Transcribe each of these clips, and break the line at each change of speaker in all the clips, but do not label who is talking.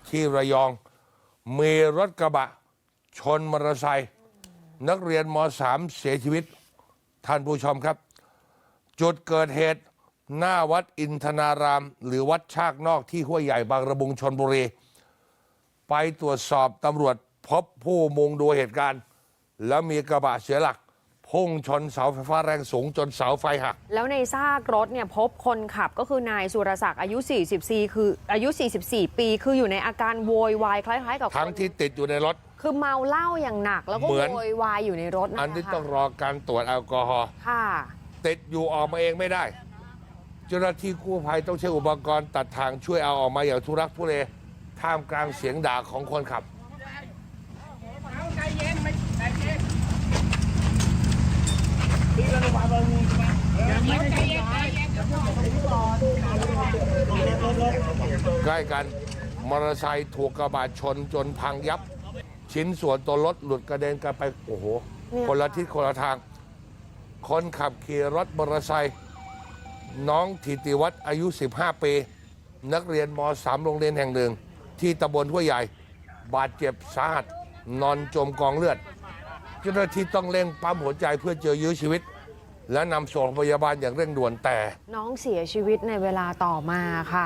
ที่ระยองมีรถกระบะชนมอเตอร์ไซค์นักเรียนม.3 เสียชีวิตท่านผู้ชมครับจุดเกิดเหตุหน้าวัดอินทนารามหรือวัดชากนอกที่ห้วยใหญ่บางระมุงชลบุรีไปตรวจสอบตำรวจพบผู้มุงดูเหตุการณ์แล้วมีกระบะเสียหลักพุ่งชนเสาไฟฟ้าแรงสูงจนเสาไฟหัก
แล้วในซากรถเนี่ยพบคนขับก็คือนายสุรศักดิ์อายุ44 ปีคืออยู่ในอาการโวยวายคล้ายๆกับ
ทั้งที่ติดอยู่ในรถ
คือเมาเหล้าอย่างหนักแล้วก็โวยวายอยู่ในรถนะคะ
อันนี้ต้องรอการตรวจแอลกอฮอล์ติดอยู่ออกมาเองไม่ได้เจ้าหน้าที่กู้ภัยต้องใช้อุปกรณ์ตัดทางช่วยเอาออกมาอย่างทุรักทุเลท่ามกลางเสียงด่าของคนขับใกล้กันมอเตอร์ไซค์ถูกกระบะชนจนพังยับชิ้นส่วนตัวรถหลุดกระเด็นกันไปโอ้โหคนละทิศคนละทางคนขับขี่รถมอเตอร์ไซค์น้องธิติวัฒน์อายุ15 ปีนักเรียนม.3 โรงเรียนแห่งหนึ่งที่ตำบลห้วยใหญ่บาดเจ็บสาหัสนอนจมกองเลือดเจ้าหน้าที่ต้องเร่งปั๊มหัวใจเพื่อเจอยื้อชีวิตและนำส่งโรงพยาบาลอย่างเร่งด่วนแต่
น้องเสียชีวิตในเวลาต่อมาค่ะ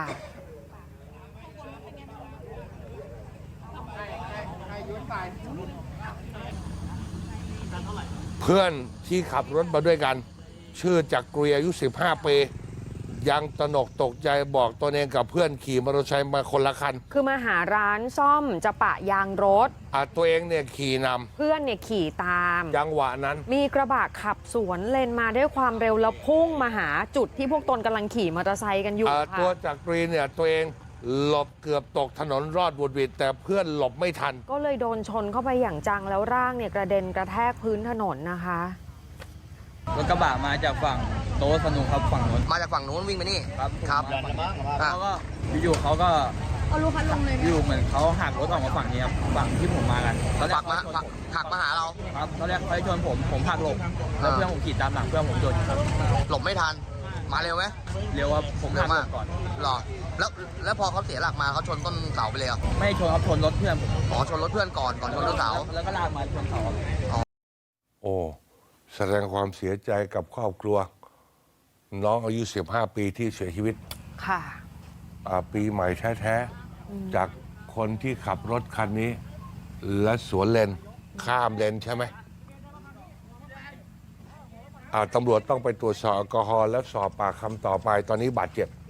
เพื่อนที่ขับรถมาด้วยกันชื่อจักรีอายุ15 ปียังตระหนกตกใจบอกตนเองกับเพื่อนขี่มอเตอร์ไซค์มาคนละคัน
คือมาหาร้านซ่อมจะปะยางรถ
ตัวเองเนี่ยขี่น
ำเพื่อนเนี่ยขี่ตาม
จังหวะนั้น
มีกระบะขับสวนเลนมาด้วยความเร็วแล้วพุ่งมาหาจุดที่พวกตนกำลังขี่มอเตอร์ไซค์กันอยู่ค่ะ
ตัวจักรีเนี่ยตัวเองหลบเกือบตกถนนรอดบุดหวิดแต่เพื่อนหลบไม่ทัน
ก็เลยโดนชนเข้าไปอย่างจังแล้วร่างเนี่ยกระเด็นกระแทกพื้นถนนนะคะ
รถกระบะมาจากฝั่งโต๊ะสนุกครับฝั่งนู้น
มาจากฝั่งนู้นวิ่งไปนี่
ครับเขาก็อยู่เขาก็
รู้คันลงเลย
อยู่เหมือนเขาหักรถออกมาฝั่งนี้ครับฝั่งที่ผมมากัน
เขาหักมาหาเรา
ครับเขาเรียกเขาชนผมหักหลบแล้วเพื่อนผมขี่ตามหลังเพื่อนผมชนครับ
หลบไม่ทันมาเร็วไหม
เร็วครับผมหักหลบก่อน
หรอแล้วพอเขาเสียหลักมาเขาชนต้นเสาไปเลย
ไม่ชนครับชนรถเพื่อนผม
ชนรถเพื่อนก่อนชนต้นเสา
แล้วก็ลากมาชนเสา
โอ้แสดงความเสียใจกับครอบครัวน้องอายุ15 ปีที่เสียชีวิต
ค่ะ
ปีใหม่แท้ๆจากคนที่ขับรถคันนี้และสวนเลนข้ามเลนใช่ไหมตำรวจต้องไปตรวจสอบแอลกอฮอล์และสอบปากคำต่อไปตอนนี้บาดเจ็บ